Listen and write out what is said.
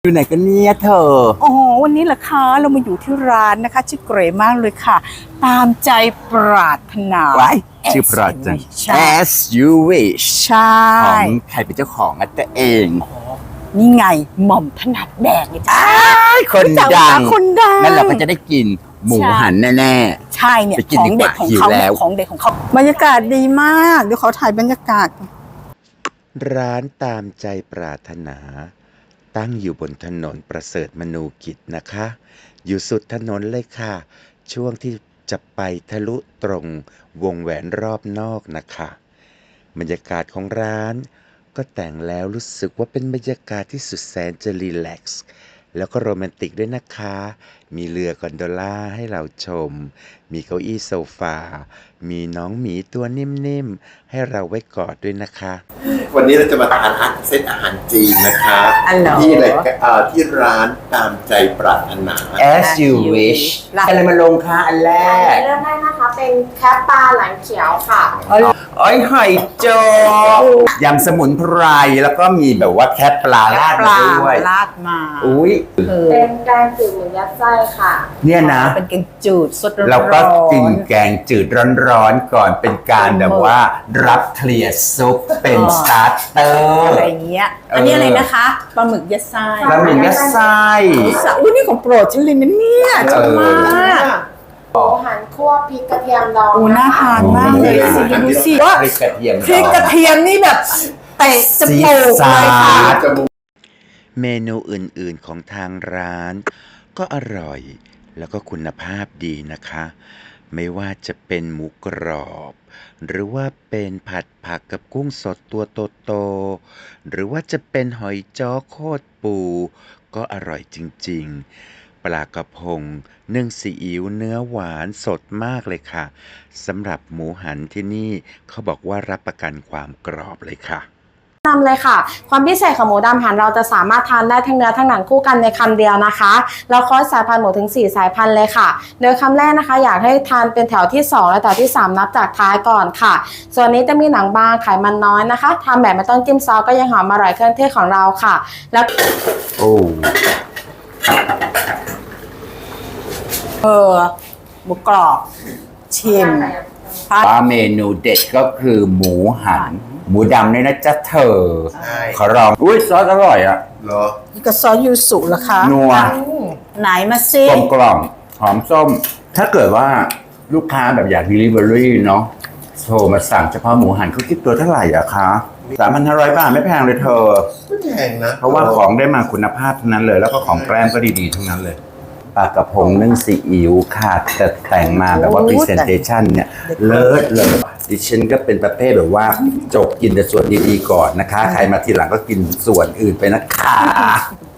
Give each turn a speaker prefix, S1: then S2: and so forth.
S1: อยู่ไหนกันเนี่ยเธอ
S2: อ๋อวันนี้ล่ะคะเรามาอยู่ที่ร้านนะคะชื่อเกรมากเลยค่ะตามใจปรารถนา
S1: ไว้ชื่อปราดจัง As you wish
S2: ใช่
S1: ของใครเป็นเจ้าของอ่ะตัวเอง
S2: นี่ไงหม่อมถนัดแดกเลยจ้า
S1: คนดัง
S2: คนดัง
S1: งั้นเราก็จะได้กินหมูหันแน่ๆ
S2: ใช่เนี่ย
S1: ไปกิน
S2: ของ
S1: ดีก
S2: เด็
S1: ว่า
S2: ดของ
S1: หิว
S2: เขา
S1: แล้ว
S2: ของเด็ดของเขาบรรยากาศดีมากเดี๋ยวขอถ่ายบรรยากาศ
S3: ร้านตามใจปรารถนา ตั้งอยู่บนถนนประเสริฐมนูกิจนะคะ อยู่สุดถนนเลยค่ะ ช่วงที่จะไปทะลุตรงวงแหวนรอบนอกนะคะบรรยากาศของร้านก็แต่งแล้วรู้สึกว่าเป็นบรรยากาศที่สุดแสนจะรีแลกซ์แล้วก็โรแมนติกด้วยนะคะ มีเรือกอนโดล่าให้เราชม มีเก้าอี้โซฟา มีน้องหมีตัวนิ่มๆให้เราไว้กอดด้วยนะคะ
S4: วันนี้เราจะมาทานเซตอาหารจีนนะคะ
S2: อ๋อเหรอ
S4: ที่อะไรที่ร้านตามใจปรารถนา
S1: As you wish อะไรมาลงคะอันแร
S5: อัน
S1: ก
S5: นี้เริ่มได้นะคะเป็นแคปปลาหลังเขียวค่ะ
S1: อ้อยหอยโจกยำสมุนไพรแล้วก็มีแบบว่าแค่ปลาราด
S2: ป
S1: มา
S2: ลา
S1: ด้วย
S2: ราดมา
S1: อุ้ย
S5: เป็นแกงจืดหมูยัดไส้ค่ะ
S1: เนี่ยนะ
S2: เป็นแกงจืดสดร้อนๆ
S1: เราก็กินแกงจืดร้อนๆก่อนเป็นการแบบว่ารับเคลียร์ซุปเป็นสตาร์เตอร์
S2: อะไรอย่างเงี้ยอันนี้อะไรนะคะปลาหมึกยัดไส้
S1: แล้วมียัดไส้
S2: อุ้ยนี่ของโปรดฉันเลยนะเนี่ยชอบมาก
S5: หมูหันคั่วพริกกระเทียมดอง
S2: โอ้น่าทานมากเลยสิดูสิว่า
S1: พริกกระเทียม
S2: พริกกระเทียมนี่แบบเตะจมูกเลยค่ะ
S3: เมนูอื่นๆของทางร้านก็อร่อยแล้วก็คุณภาพดีนะคะ ไม่ว่าจะเป็นหมูกรอบ หรือว่าเป็นผัดผักกับกุ้งสดตัวโตๆหรือว่าจะเป็นหอยจ้อโคตรปูก็อร่อยจริงๆ ปลากระพงนึ่งซีอิ๊วเนื้อหวานสดมากเลยค่ะสำหรับหมูหันที่นี่เขาบอกว่ารับประกันความกรอบเลยค่ะ
S5: นำเลยค่ะ ความพิเศษของหมูดำหันเราจะสามารถทานได้ทั้งเนื้อทั้งหนังคู่กันในคำเดียวนะคะเราคอสสายพันธุ์หมูถึง4สายพันธุ์เลยค่ะโดยคำแรกนะคะอยากให้ทานเป็นแถวที่2และแถวที่3นับจากท้ายก่อนค่ะส่วนนี้จะมีหนังบางไขมันน้อยนะคะทำแบบไม่ต้องจิ้มซอสก็ยังหอมอร่อยเครื่องเทศของเราค่ะแล้ว
S1: โอ้
S2: หมูกรอบชิม
S1: ปลาเมนูเด็ดก็คือหมูหัน หมูดำเนี่ยนะจ๊ะเธอ
S4: ใช่
S1: ขอลองอุ้ยซอสอร่อยอ่ะ
S4: เหรอ
S2: นี่ก็ซอสยูสุเหรอคะ
S1: นัว
S2: ไหนมาซิ
S1: กลมกล่อมหอมส้ม ถ้าเกิดว่าลูกค้าแบบอยาก delivery เนาะโทรมาสั่งเฉพาะหมูหันเขาคิดตัวเท่าไหร่อะคะ 3,500 บาทไม่แพงเลยเธอ
S4: ไม่แพงนะ
S1: เพราะว่าของได้มาคุณภาพทั้งนั้นเลย แล้วก็ของแกล้มก็ดีๆทั้งนั้นเลยปลากระพงนึ่งซีอิ๊วค่ะแต่แต่งมาแบบว่า presentation เนี่ยเลิศเลยดิฉันก็เป็นประเภทแบบว่าจบกินแต่ส่วนดีๆก่อนนะคะ ใครมาทีหลังก็กินส่วนอื่นไปนะคะ